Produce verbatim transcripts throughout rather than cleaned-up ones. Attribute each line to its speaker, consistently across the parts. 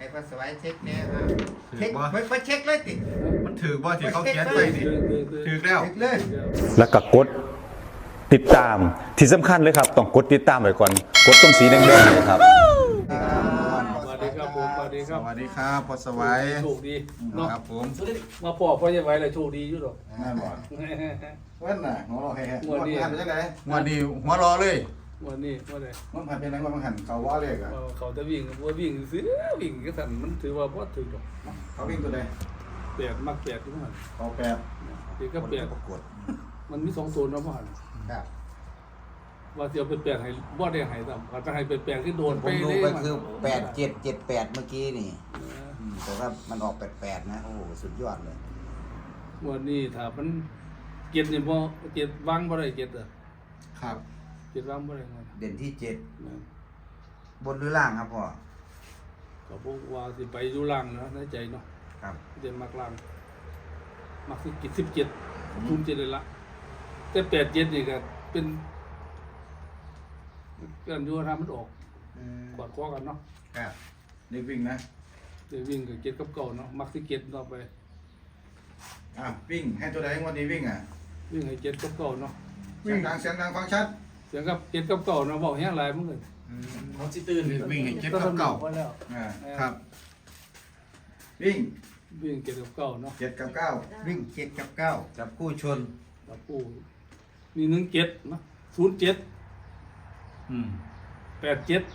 Speaker 1: ให้พอสบายเช็คเนี่ยเช็คไปไปเช็คเลยติ
Speaker 2: มันถือว่าที่เขาเขียนไปนี่ถือแล้ว
Speaker 1: เช็คเลย
Speaker 3: แล้วก็กดติดตามที่สำคัญเลยครับต้องกดติดตามไว้ก่อนกดตรงสีแดงๆเลยครับ
Speaker 4: สวัสดีครับผมสวัสดีค
Speaker 2: ส
Speaker 4: รับ
Speaker 2: วัสดีครับพอสวัย
Speaker 4: โชคดีเนาะ
Speaker 2: ครับผม
Speaker 4: มาพอพ่อจะไว้เลยโชคดีอยู่หรอก
Speaker 2: นั่นบ่วันน่ะหัวเราะแฮ่ๆ
Speaker 4: งวดนี้
Speaker 2: ผ่านไปจังได๋งวดนี้หัวรอเลย
Speaker 4: วันนี้ว่าไง
Speaker 2: มันผ่านไปไหนมันหันเขาว่าเลขอ่ะ
Speaker 4: เขาจะวิ่งว่าวิ่งซื้อวิ่งก็สั่นมันถือว่าพ่อถือดอก
Speaker 2: เขาวิ่งตัวใด
Speaker 4: แปดมักแปดทุกมัน
Speaker 2: เขาแปด
Speaker 4: เด็กก็แปด
Speaker 2: ประกวด
Speaker 4: มันมีสองตัวนะพ่อ
Speaker 1: ครับ
Speaker 4: ว่าเดี๋ยวเป็นแปดให้บ่ได้ให้ต่ำเขาจะให้เป็นแปดที่โดน
Speaker 5: ผ
Speaker 4: ไป
Speaker 5: มดู
Speaker 4: เลย
Speaker 5: ไปคือแปดเจ็ดเจ็ดแปดเมื่อกี้นี่อืมแต่ว่ามันออกแปดแปดนะโอ้โหสุดยอดเลย
Speaker 4: วันนี้ถ้ามันเก็บนี่บ่เก็บวางบ่ได้เก็บอ่ะ
Speaker 2: ครับ
Speaker 4: เก็บวางบ่ได้เงิน
Speaker 5: เด่นที่เจ็ด
Speaker 4: นะ
Speaker 5: บนหรือล่างครับพ่อ
Speaker 4: เขาบอกว่าสิไปอยู่ล่างนะในใจเนาะ
Speaker 5: ครับ
Speaker 4: เดนมักล่างมักสิกิจสิบเจ็ดทุนเจ็ดเลยละแต่แปดเจ็ดนี่ก็เป็นกันอยู่ทำมันออก
Speaker 1: อืม
Speaker 4: กอดคอกันเนาะ
Speaker 1: ครับ
Speaker 2: เด็กวิ่งนะ
Speaker 4: เดี๋ยววิ่งกับเจ็ดกับเก่าเนาะมักสิเจ็ดต่อไป
Speaker 2: อ่ะวิ่งให้ตัวใดงวดนี้วิ่งอ่ะ
Speaker 4: วิ่งให้เจ็ดกับเก่าเนาะ
Speaker 2: เสียงดังเสียงดังฟังชัด
Speaker 4: เสียงกับเจ็ดกับเก่าเนาะบอกแห้งหลายมึงเลย
Speaker 1: อืม
Speaker 2: เขาสิตื่นวิ่งให้เจ็ดกับเก้า
Speaker 4: พอแล้ว
Speaker 2: อ่าครับ วิ่ง
Speaker 4: วิ่งเจ็ดกับเก่าเนาะ
Speaker 2: เจ็ดกับเก้า
Speaker 1: วิ่งเจ็ดกับเก้า
Speaker 5: จับคู่ชน
Speaker 4: แล้วปูมีหนึ่งเจ็ดเนาะศูนย์เจ็ด
Speaker 2: อืม
Speaker 4: แปดเจ็ด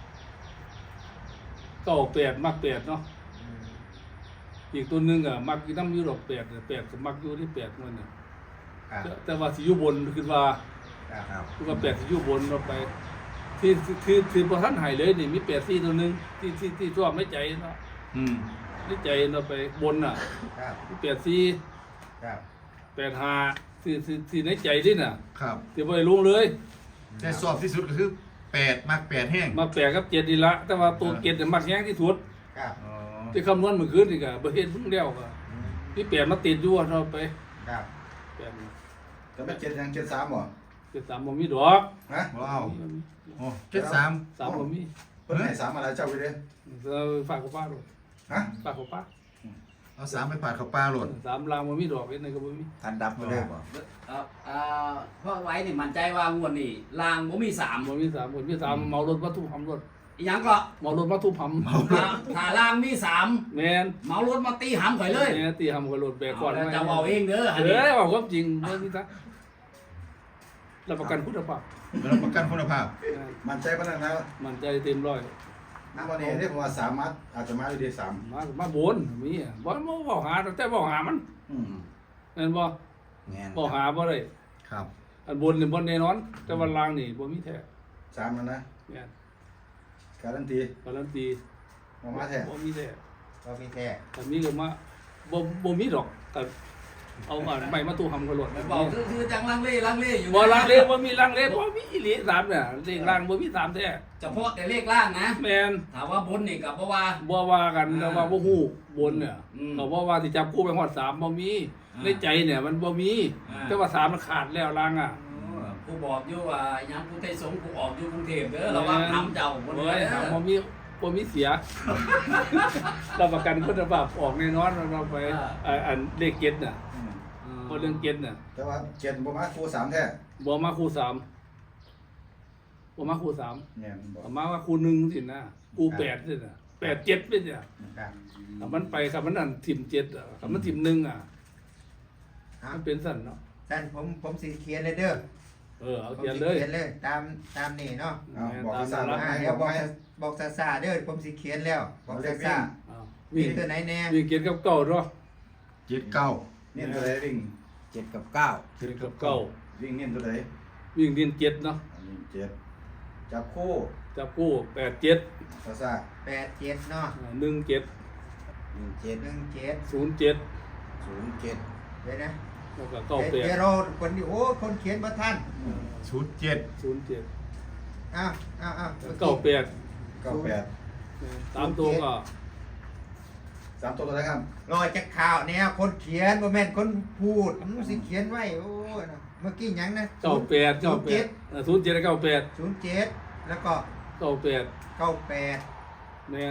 Speaker 4: เก้าแปดมักแปดเนาะ
Speaker 1: อืม
Speaker 4: อีกตัวหนึงอ่ะมักอยู่น้ำอยูดอกแปดเนี่ยแปดก็มักอยู่ที่แปดมันเนี่ย
Speaker 1: ครับ
Speaker 4: แต่แต่ว่าสิอยู่บนคือว่า
Speaker 1: ครับ
Speaker 5: ครับ
Speaker 4: คือว่าแปดสิอยู่บนเราไป ที่ที่ที่ที่พอท่านหายเลยนี่มีแปดสี่ตัวหนึงที่ที่ที่ชอบไม่ใจเนาะ
Speaker 2: อืม
Speaker 4: ไม่ใจเราไปบนน่ะ
Speaker 1: ครับ
Speaker 4: มีแปดสี่
Speaker 1: ครับ
Speaker 4: แปดห้าที่ที่ที่ในใจดิน่ะ
Speaker 2: ครับ
Speaker 4: ที่บ่ไปลงเลย
Speaker 2: แต่สอบที่สุดก็คือแปดมากแปดแห้ง
Speaker 4: มาแปดกับเจ็ดดีละแต่ว่าตัวเจ็ดเนี่ยมักแห้งที่สุด
Speaker 1: ครับ
Speaker 2: อ๋อ
Speaker 4: ที่คำนวณเมื่อคืนนี่ก็บ่เฮ็ดเพิ่งแล้วก็
Speaker 1: อืม
Speaker 4: มีแปดมาติดอยู่เราไป
Speaker 1: ครับ
Speaker 4: แปดนี่
Speaker 2: จะเป็นเจ็ดยังเจ็ดสามบ่
Speaker 4: เจ็ดสามบ่มีดอก
Speaker 2: ฮะว้าวโอ้เจ็ดสาม
Speaker 4: สามบ่มี
Speaker 2: เพิ่นให้สามอะไรเจ้าไปเด้อ
Speaker 4: เราฝากกับป้าด้วย
Speaker 2: ฮะ
Speaker 4: ฝากกับป้า
Speaker 2: เอาสามไปปาดเขาปลาโหลด
Speaker 4: สามลางมันมีดอกเอ็นในก็บ่มี
Speaker 5: ทันดับไปเลยบ่
Speaker 6: เอ่อเอ่อเพราะไว้นี่มั่นใจว่างวดนี่ลางบ่มีสาม
Speaker 4: บ่มีสามบ่มีสามเมารถมาทุบหำรถ
Speaker 6: อีหยังก็
Speaker 4: เมารถมาทุบหำ
Speaker 6: ถ้าถ้าลางมีสาม
Speaker 4: แม่น
Speaker 6: เหมารถมาตีหำข่อยเลย
Speaker 4: แม่ตีหำกับรถแบกก่อน
Speaker 6: เอาแล้วจะเอาเองเด้ออัน
Speaker 4: เอ
Speaker 6: นี้
Speaker 4: อเอาความจริงเรื่องนี้ซะรับประกันคุณภาพ
Speaker 2: รับประกันคุณภาพ
Speaker 4: แม่น
Speaker 2: มั่นใจปานนั้นนะ
Speaker 4: มั่นใจเต็มร้อย
Speaker 2: น้ำวันนี้เรียกว่าสามมัดอาจจะมาอยู่ที่สาม
Speaker 4: มามาบนมีอ่ะบ่บ่บอกหาแต่บอกหามัน
Speaker 2: อืม
Speaker 4: แม่นบ่
Speaker 5: แงน
Speaker 4: บอกหาบ่ได้
Speaker 2: ครับ
Speaker 4: อันบนนี่บ่แน่นอน แต่ว่าล่างนี่บ่มีแท้
Speaker 2: สามแล้วนะ
Speaker 4: แม่น
Speaker 2: การันตี
Speaker 4: การันตี
Speaker 2: มามาแท้
Speaker 4: บ่มีแท้
Speaker 1: ก็มีแท้
Speaker 4: แต่มีก็มาบ่บ่มีดอกแต่เอาอันใหม่มาตู้หำกับรถ
Speaker 6: บอกคือคือจังลังเลลังเลอยู่
Speaker 4: บ่ลังเลบ่มีลังเลบ่มีอีหลีสามเนี่ยเลขล่างบ่มีสามแท้
Speaker 6: เฉพาะแต่เลขล่างนะ
Speaker 4: แม่น
Speaker 6: ถามว่าบนนี่กับบ่ว่า
Speaker 4: บ่ว่ากันแต่ว่าบ่ฮู้บนเนี่ย
Speaker 6: อืม
Speaker 4: ก็บ่ว่าสิจับคู่ไปฮอดสามบ่มี
Speaker 6: อ่า
Speaker 4: ในใจเนี่ยมันบ่มี
Speaker 6: อ่า
Speaker 4: แต่ว่าสามมันขาดแล้วล่างอ่ะ
Speaker 6: กูบอกอยู่ว่าหยังกูไทยสงฆ์กูออกอยู่กรุงเทพเด้อระวังทำเจ้าบน
Speaker 4: เว้
Speaker 6: เด้
Speaker 4: ย
Speaker 6: อ
Speaker 4: ถามบ่มีบ่มีเสีย รับประกันคุณภาพออกแน่นอนเราไปอ่าอันเลขเจ็ดน่ะ
Speaker 2: อืม
Speaker 4: บ่เรื่องเจ็ดน่ะ
Speaker 2: แต่ว่าเจ็ดบ่มาครูสามแท้
Speaker 4: บ่มาคู่สามบ่มาคู่สาม
Speaker 2: เนี่ยมันบอก
Speaker 4: เอามาว่าคู่หนึ่งสินะคู่แปดสินะแปดเจ็ดเป็นเนี่ย
Speaker 1: ครับ
Speaker 4: ถ้ามันไปครับมันนั่นทิมเจ็ดอ่ะถ้ามันทิมหนึ่งอ่ะ
Speaker 1: ครั
Speaker 4: มั
Speaker 1: บ
Speaker 4: นเป็นสั่นเนาะ
Speaker 1: ท่านผมผมสิเขียนเลยเด้อ
Speaker 4: เออเอา
Speaker 1: ผม
Speaker 4: เขียน
Speaker 1: สิ
Speaker 4: เลย
Speaker 1: เขียนเลยตามตามนี่เนาะ
Speaker 2: เอาบอกภาษา
Speaker 4: ตาม
Speaker 1: อ่า
Speaker 4: นั้น
Speaker 1: เดี๋ยวบอกซะบอกซาซาเด้อผมสิเขียนแล้วบอกซาซา
Speaker 4: อ้าว
Speaker 1: วิ่
Speaker 4: วิ่
Speaker 1: ง
Speaker 4: ง
Speaker 1: ตัวไหนแน่
Speaker 4: วิ่งเกียรกับเก่าเนาะ
Speaker 2: เจ็ดเก้าเนี่ยตัวใดวิ่ง
Speaker 5: เจ็ดกับเก้า
Speaker 4: เกียรกับเก่า
Speaker 2: วิ่งเนี่ยตัวใด
Speaker 4: วิ่งเรียนเจ็ดเนาะ
Speaker 2: อันนี้เจ็ดจับคู่
Speaker 4: จับกู้แปดเจ็ด
Speaker 2: ภาษา
Speaker 1: แปดเจ็ดเนาะ
Speaker 4: หนึ่งเจ็ด
Speaker 5: หนึ่งเจ็ด
Speaker 1: หนึ่งเจ็ด
Speaker 4: ศูนย์เจ็ด
Speaker 5: ศูนย์เจ็ด
Speaker 1: เดี๋ยวนะ
Speaker 4: แล้วก็เก้าแป
Speaker 1: เดี๋ยว
Speaker 4: ด
Speaker 1: เดี๋ยวเราคนที่โอ้คนเขียนมาท่าน
Speaker 2: ศูนย์เจ็ด
Speaker 4: ศูนย์เจ็ด
Speaker 1: อ้าวอ้าวอ้าว
Speaker 4: เก้าแปด
Speaker 2: เก้าแปด
Speaker 4: สามตัวก็
Speaker 2: สามตัวตัวไหนครับ
Speaker 1: รอจากข่าวเนี่ยคนเขียนบ่แม่นคนพูดมันสิเขียนไว้โอ้ยนะเมื่อกี้หยังนะ
Speaker 4: เก้าแปดเก้าแปดศูนย์เจ็ดเก้าแปด
Speaker 1: ศูนย์เจ็ดแล้วก็
Speaker 4: เก้าแปด
Speaker 1: เก้าแปด
Speaker 4: แมน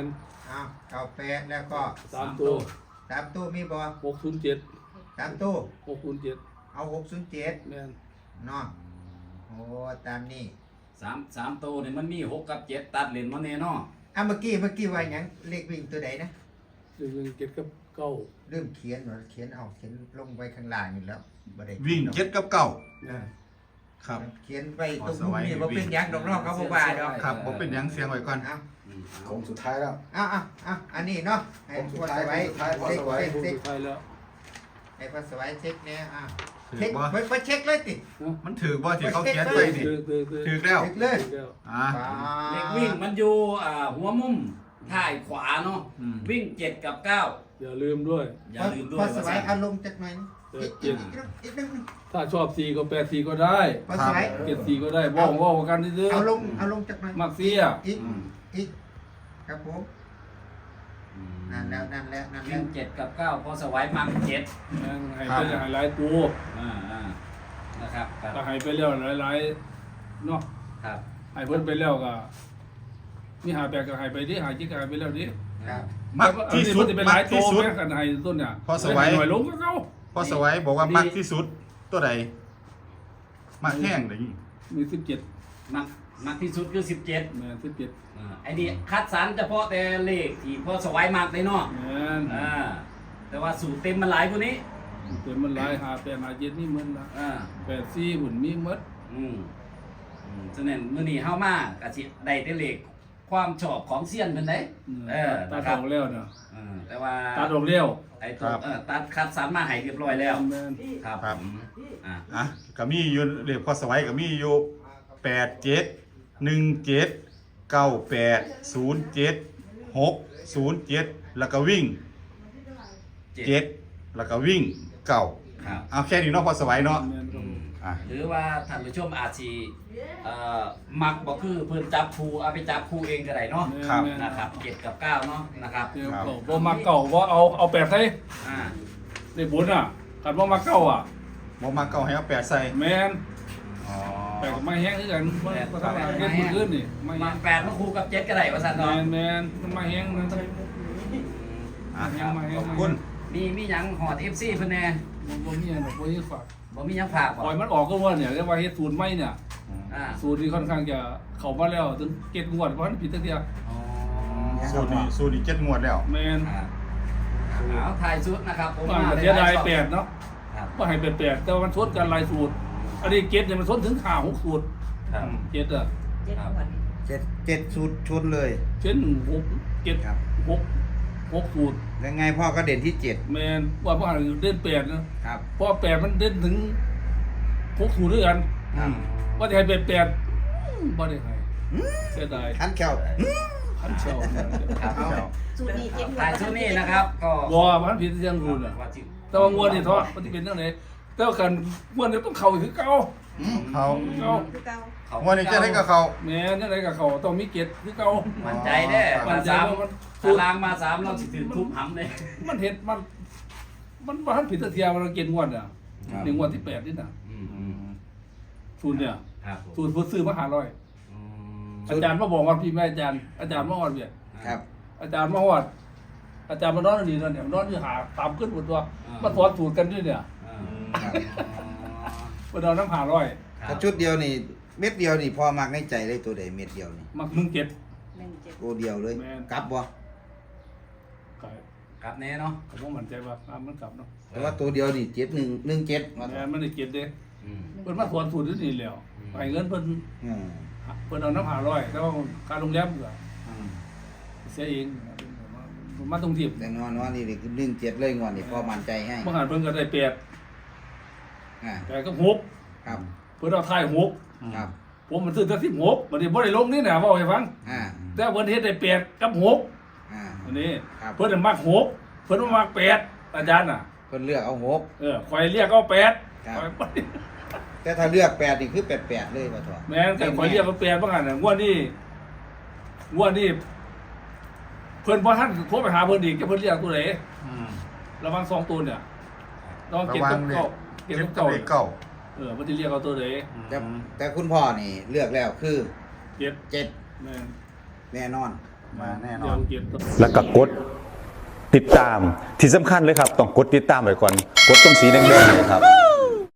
Speaker 1: เอาเก้าแปดแล้วก็
Speaker 4: สามตัว
Speaker 1: สามตู้มีบ่
Speaker 4: หกศูนย์เจ็ด
Speaker 1: สามตู้
Speaker 4: หกศูนย์เจ็ด
Speaker 1: เอาหกศูนย์เจ็ด
Speaker 4: แม่น
Speaker 1: เนาะโอ้ตามนี้
Speaker 6: สามสามตัวนี่มันมีหกกับเจ็ดตัดเหรียญมาแน่เนาะ
Speaker 1: อ่ะเมื่อกี้เมื่อกี้ว่าหยังเลขวิ่งตัวใดนะ
Speaker 4: หนึ่งหนึ่งเจ็ดกับเก้า
Speaker 1: เริ่มเขียนหน่อยเขียนเอาเขียนลงไว้ข้างล่างอยู่แล้วบ่ได้
Speaker 2: วิ่งเจ็ดกับเก้า
Speaker 4: แม่น
Speaker 2: ครับ
Speaker 1: เขียนไว้ตรงมุมนี้บ่เป็นหยังดอกเนอกเขาบ่ว่าดอก
Speaker 2: ครับผมเป็นหยังเสียงไว้ก่อน
Speaker 1: เอา
Speaker 6: อืม
Speaker 5: โค้งสุดท้ายแล้ว
Speaker 1: เอาเอาเอาอันนี้เนาะให้
Speaker 5: ผมสุ
Speaker 1: พ
Speaker 5: ด
Speaker 1: อ
Speaker 5: ท้าย
Speaker 1: สไว้
Speaker 5: ผมสุดท้ายพอ
Speaker 1: เช็ค
Speaker 5: สไว้
Speaker 1: เช็ค
Speaker 4: ผู้
Speaker 1: เช็ค
Speaker 4: สุดท้ายแล้ว
Speaker 1: ให้พอสไว้เช็คเนี่ยอ่ะ
Speaker 2: ถือ
Speaker 1: เช็ค
Speaker 2: บ่
Speaker 1: ไปไปเช็คเลยติ
Speaker 2: มันถือบ่ที่เขาเขียนไว้นี่
Speaker 4: คือคือคือ
Speaker 2: ถือแล้ว
Speaker 1: เช็คเลย
Speaker 4: เดี๋ยว
Speaker 2: อ่า
Speaker 6: เลขวิ่งมันอยู่อ่าหัวมุมท้ายขวาเนาะ
Speaker 2: อืม
Speaker 6: วิ่งเจ็ดกับเก้า
Speaker 4: อย่าลืมด้วย
Speaker 6: อย่าลืมด้ว
Speaker 1: พ
Speaker 6: ย
Speaker 1: อสไว้
Speaker 6: ว่า
Speaker 1: เอาลงจากหน่อย
Speaker 4: เออ
Speaker 1: อีก
Speaker 4: เจ็
Speaker 1: อี
Speaker 4: ด
Speaker 1: กอีกอีกนิดนึง
Speaker 4: ถ้าชอบสี่ก็แปดสี่ก็ได้
Speaker 1: พอสไว้
Speaker 4: เจ็ดสี่ก็ได้ว่องว่องกันซื้อ
Speaker 1: เอาลงเอาลงจากหน่อย
Speaker 4: มักเสีย
Speaker 1: อีก
Speaker 6: อืม
Speaker 1: อีกครับผมนั่นแล้วนั่นแล้วนั่นแล้
Speaker 6: วิ่
Speaker 1: ว
Speaker 6: งเจ็ดกับเก้าพอสไว้มักเจ็ด
Speaker 4: แม่งให้ไปหลายหลายตัว
Speaker 6: อ่าอ่านะครับครับ
Speaker 4: ถ้าให้ไปแล้วหลายหลายๆเนาะ
Speaker 6: ครับ
Speaker 4: ให้เพิ่นไปแล้วก็มีหาแปลกก็ให้ไปดิหาจิกก็ให้ไปแล้วดิ
Speaker 1: ครับ
Speaker 2: มักที่สุด
Speaker 4: อันนี้มันจะเป็นห
Speaker 2: มั
Speaker 4: ลาก ยตั
Speaker 2: ที่
Speaker 4: ว
Speaker 2: สุด
Speaker 4: แม่กันให้ต้นเนี่ย
Speaker 2: พอสวัย
Speaker 4: หน่อยลงก็เก่า
Speaker 2: พอสวัยบอกว่ามักที่สุดตัวใดมักแห้งเลย
Speaker 4: มีสิบเจ็ด
Speaker 6: มักมักที่สุดคือสิบเจ็ด
Speaker 4: แม่นสิบเจ็ด
Speaker 6: อ่าไอ้นี่คัดสรรเฉพาะแต่เลขที่พอสไว้มักเลยเนาะ
Speaker 4: แม่น
Speaker 6: อ่าแต่ว่าสูตรเต็มมันหลายกว่านี้
Speaker 4: เป็นมันหลายหาแปดหาเจ็ดนี่มันละ
Speaker 6: อ่า
Speaker 4: แปดสี่หุ่นมีหมด
Speaker 6: อืมอืมฉะนั้นมื้อนี้เฮามากะสิได้แต่เลขความชอบของเซียนเพิ่นได้เออ
Speaker 4: ตัด
Speaker 6: นะค
Speaker 4: อ
Speaker 6: รับ
Speaker 4: อกแล้วเนาะ
Speaker 6: เออแต่ว่า
Speaker 4: ตัดออกแล้ว
Speaker 6: ไอ้ตัวเออตัดคัดสรรมาให้เรียบร้อยแล้ว
Speaker 4: แม่น
Speaker 6: ครับ
Speaker 2: ครับ
Speaker 6: ผมอ่า
Speaker 2: อ่ะก็มีอยู่เลขพอสวัยก็มีอยู่แปดเจ็ดหนึ่งเจ็ดเก้าแปดศูนย์เจ็ดหกศูนย์เจ็ดแล้วก็วิ่งเจ็ดแล้วก็วิ่งเก้า
Speaker 6: ครับ
Speaker 2: เอาแค่นี้เนาะพอสวัยเนาะ
Speaker 4: แม่นครับ
Speaker 2: อ่ะ
Speaker 6: หรือว่าท่านผู้ชมอาจสิเอ่อมักบ่คือเพิ่นจับคู่เอาไปจับคู่เองก็ได้เนาะ
Speaker 2: ครับ
Speaker 4: แม่น
Speaker 6: นะครับเจ็ดกับเก้าเนาะนะครับ
Speaker 4: เดี๋ยวเก่าบ่มาเก่าบ่เอาเอาแปดใส่
Speaker 6: อ่า
Speaker 4: ได้บุญอ่ะคันบ่มาเก่าอ่ะ
Speaker 2: บ่มาเก้าให้เอาแปดใส่
Speaker 4: แม่น
Speaker 2: อ๋อ
Speaker 4: แปดก็ไม่แห้งคือกันมันก็ทำงานเก็บมื้อคืนนี่ไม่
Speaker 6: มั
Speaker 4: แห้
Speaker 6: ก
Speaker 4: ง
Speaker 6: แปดมาคู่กับเจ็ดก็ได้ว่าซั่น
Speaker 4: แม่
Speaker 6: เนาะ
Speaker 4: นแม่นมันไม่แห้งมันต้อง
Speaker 2: อ่ะ
Speaker 4: แห้งมาแห้ง
Speaker 2: ขอบคุณ
Speaker 6: มีมีหยังหอด เอฟ ซี เพิ่นแน่
Speaker 4: บ่บ่มีอันดอกบ่มีฝาก
Speaker 6: บ่มีหยังฝาก
Speaker 4: ป
Speaker 6: บ่
Speaker 4: ล่อยมันออกก็ว่าเนี่ยเรียกว่าเฮ็ดสูตรใหม่เนี่ย
Speaker 6: อ่า
Speaker 4: สูตรนี้ค่อนข้างจะเข้ามาแล้วถึงเก็ดงวดเพราะมันผิดตั้งแต่
Speaker 6: อ๋อ
Speaker 2: สูตรนี้สูตรนี้เจ็ดงวดแล้ว
Speaker 4: แม่น
Speaker 6: อ่าเอาถ่ายชุดนะครับผม
Speaker 4: ว่าเสียดายแปดเนาะ
Speaker 6: ครับ
Speaker 4: ว่าให้เป็นแปดแต่ว่ามันชนกันหลายสูตร อันนี้เก็ดเนี่ยมันชนถึงห้าหกสูตร
Speaker 6: ครับ
Speaker 4: เก็ดอ่ะ
Speaker 6: ครับ
Speaker 1: เจ็ดเจ็ดสูตรชนเลย
Speaker 4: เช่นหกเก็ด
Speaker 1: ครับ
Speaker 4: หกหกสูตร
Speaker 1: ยังไงพ่อก็เด่นที่เจ็ด
Speaker 4: แม่นว่าพ่อเด่นแปดนะครับ เพราะแปดมันเด่นถึงหกสูตรด้วยกัน
Speaker 1: ครับ
Speaker 4: ว่าจะให้เป็นแปดอืมบ่ได้ให้เสียดาย
Speaker 1: ขันแก้ว
Speaker 4: ขันเชียว
Speaker 6: ครับ
Speaker 2: เอา
Speaker 7: สูตรนี้เจ็ดงวด
Speaker 6: ถ่ายชุดนี้นะครับก็
Speaker 4: บ่มันผิดเรื่องรูนอ่ะ
Speaker 6: ว่าสิ
Speaker 4: แต่ว่างวดนี่ทอดมันสิเป็นจังไดแต่ว่าคันงวดนี้ต้องเข้าอีกคือเก่า
Speaker 2: เขา
Speaker 4: เก่า
Speaker 7: คือเก่า
Speaker 6: เขา
Speaker 2: งวดนี้จะได้กับเขา
Speaker 4: แม่นจังไดก็เข้าต้องมีเก็ดคือเก่า
Speaker 6: มั่นใจเด้
Speaker 4: มั่
Speaker 6: มาน
Speaker 4: ใจ
Speaker 6: สาม
Speaker 4: ว่ามัน
Speaker 6: ตารางมาสามเราสิถือทุบหำเลย
Speaker 4: มันเห็ดมัน มันบ่ทันผิดตะเทียมันเก็ดงวดอ่ะนี่งวดที่แปดนี่น่ะ
Speaker 6: อืมอืม
Speaker 4: สูตรเนี่ย
Speaker 6: ครับผม
Speaker 4: สูตรผู้ซื้อมาห้าร้อย
Speaker 6: อืม
Speaker 4: อาจารย์มาบอกว่าพี่แม่อาจารย์อาจารย์มาฮอดเวีย
Speaker 1: ครับ
Speaker 4: อาจารย์มาฮอดอาจารย์มานอนนี่นั่นเนี่ยนอนอยู่หาตามขึ้นบนตัวมาสอนสูตรกันด้วยเนี่ย
Speaker 6: อ่า
Speaker 1: ครับ
Speaker 4: บ่นอนน้ำห้าร้อย
Speaker 6: ครั
Speaker 1: ถ้า
Speaker 6: บ
Speaker 1: ชุดเดียวนี่เม็ดเดียวนี่พอมักในใจเลยตัวใดเม็ดเดียวนี่
Speaker 4: มักหนึ่งเจ็ด
Speaker 7: หนึ่งเจ็ด
Speaker 1: ตัวเดียวเลย
Speaker 4: แม่น
Speaker 1: กลับบ่
Speaker 4: ก็
Speaker 6: ครับแน่เนาะ
Speaker 4: ก็บ่มั่นใจว่าอ่ามันกลับเนาะ
Speaker 1: แต่ว่าตัวเดียวนี่เจ็ดหนึ่งหนึ่งเจ็ดมา
Speaker 4: แม่นมันได้เจ็ดเด้
Speaker 6: อืม
Speaker 4: เพิ่นมาสอนสูตรอยู่นี่แล้วให้เงินเพิ่น
Speaker 1: อืม
Speaker 4: เพิ่นเอาน้ำห้าร้อยแต่ว่าค่าโรงแรมก็
Speaker 1: อืม
Speaker 4: เสียเองผมมาตรงทีบ
Speaker 1: แต่นอนว่านี่คือหนึ่งเจ็ดเลยงอนนี่พอมั่นใจให้
Speaker 4: เมื่อหันเพิ่นก็ได้แปด
Speaker 1: อ่า
Speaker 4: แปดก็หก
Speaker 1: ครับ
Speaker 4: เพิ่นเอาท้ายหก
Speaker 1: ครับ
Speaker 4: ผมมันซื้อแต่สิบหกบัดนี้บ่ได้ลงนี่น่ะเว้าให้ฟัง
Speaker 1: อ่า
Speaker 4: แต่เพิ่นเฮ็ดได้แปดกับหก
Speaker 1: อ่า
Speaker 4: อันนี้
Speaker 1: ครับ
Speaker 4: เพิ่นน่ะมักหกเพิ่นบ่มักแปดอาจารย์น่ะ
Speaker 1: เพิ่นเลือกเอาหก
Speaker 4: เออข่อยเรียกเอาแปด
Speaker 1: ครับ
Speaker 4: ข่อยบ่
Speaker 1: แต่ถ้าเลือกแปดนี่คือแปดแปดเลยป่ะทอ
Speaker 4: แม่นแต่ข่อยเรียกเอาแปดบ่หั่นน่ะงวดนี้งวดนี้เพิ่นบ่ทันโทรไปหาเพิ่นอีกจะเพิ่นเรียกตัวไหน
Speaker 2: อืม
Speaker 4: ระวังสองตัวเนี่ยระวัง
Speaker 2: ระ
Speaker 4: เก็บ
Speaker 2: วั
Speaker 4: กั
Speaker 2: ง
Speaker 4: บ
Speaker 2: เล
Speaker 4: เก่า
Speaker 2: ข
Speaker 4: เก็บ
Speaker 2: เจ็
Speaker 4: กั
Speaker 2: ด
Speaker 4: บ
Speaker 2: กับ
Speaker 4: เก่า
Speaker 2: เลขเก้า
Speaker 4: เออมันจะเรียกเอาตัวไหน
Speaker 1: แต่
Speaker 2: อืม
Speaker 1: แต่คุณพ่อนี่เลือกแล้วคือ
Speaker 4: เจ็ด
Speaker 1: เจ็ด
Speaker 4: แม่น
Speaker 1: แน่นอน
Speaker 5: มาแน่น
Speaker 4: เดี๋
Speaker 5: อย
Speaker 4: วน เจ็ด
Speaker 3: แล้วก็กดติดตามที่สำคัญเลยครับต้องกดติดตามไว้ก่อนกดตรงสีแดงๆเนี่ยครับ